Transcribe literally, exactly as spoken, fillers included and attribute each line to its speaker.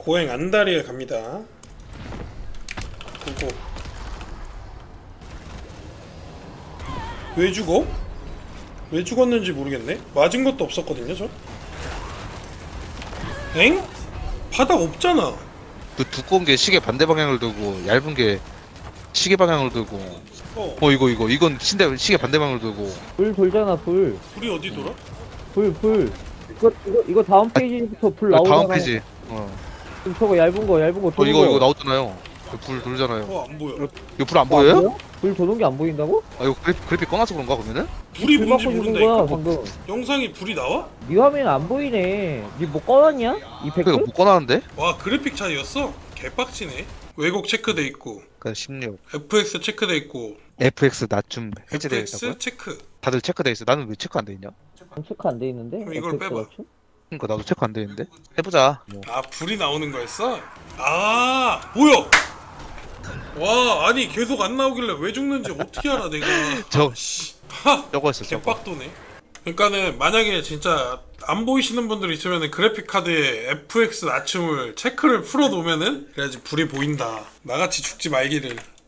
Speaker 1: 보행 안다리에 갑니다. 고고. 왜 죽어? 왜 죽었는지 모르겠네. 맞은 것도 없었거든요 저. 엥? 바닥 없잖아.
Speaker 2: 그 두꺼운 게 시계 반대 방향을 들고 얇은 게 시계 방향을 들고.
Speaker 1: 어.
Speaker 2: 어 이거 이거 이건 신대 시계 반대 방향을 들고.
Speaker 3: 불 돌잖아 불.
Speaker 1: 불이 어디 돌아?
Speaker 3: 불 불. 이거 이거 이거 다음 페이지부터 불
Speaker 2: 아,
Speaker 3: 나오잖아.
Speaker 2: 다음 페이지. 어.
Speaker 3: 지금 저거 얇은 거 얇은 거
Speaker 2: 어
Speaker 3: 도는
Speaker 2: 이거
Speaker 3: 거.
Speaker 2: 이거 나오잖아요. 이거 불 돌잖아요.
Speaker 1: 어 안 보여.
Speaker 2: 이거 불 안
Speaker 3: 뭐 안
Speaker 2: 보여요?
Speaker 3: 보여? 불 도는 게 안 보인다고?
Speaker 2: 아 이거 그래픽, 그래픽 꺼놔서 그런가 그러면은?
Speaker 1: 불이
Speaker 3: 불
Speaker 1: 뭔지
Speaker 3: 받고 죽은
Speaker 1: 모른다니까.
Speaker 3: 거야 방금.
Speaker 1: 영상이 불이 나와?
Speaker 3: 네 화면 안 보이네. 니 뭐 꺼놨냐? 이펙트?
Speaker 2: 그러니까 못 꺼놨는데?
Speaker 1: 와 그래픽 차이였어? 개빡치네. 왜곡 체크돼 있고
Speaker 2: 그러니까 십육.
Speaker 1: 에프엑스 체크돼 있고
Speaker 2: 에프엑스 낮춤 해제되어 있다고요?
Speaker 1: 에프엑스 체크.
Speaker 2: 다들 체크돼 있어. 나는 왜 체크 안 돼 있냐?
Speaker 3: 체크 안 돼 있는데.
Speaker 1: 그럼 이걸
Speaker 3: 에펙트
Speaker 1: 빼봐.
Speaker 3: 맞춤?
Speaker 2: 그러니까 나도 체크 안 돼 있는데. 해보자. 뭐.
Speaker 1: 아 불이 나오는 거였어? 아 뭐야? 와 아니 계속 안 나오길래 왜 죽는지 어떻게 알아 내가.
Speaker 2: 저
Speaker 1: 씨. 하!
Speaker 2: 저거였어 저거.
Speaker 1: 개빡도네. 그러니까는 만약에 진짜 안 보이시는 분들 있으면은 그래픽 카드에 에프엑스 낮춤을 체크를 풀어 놓으면은 그래야지 불이 보인다. 나같이 죽지 말기를.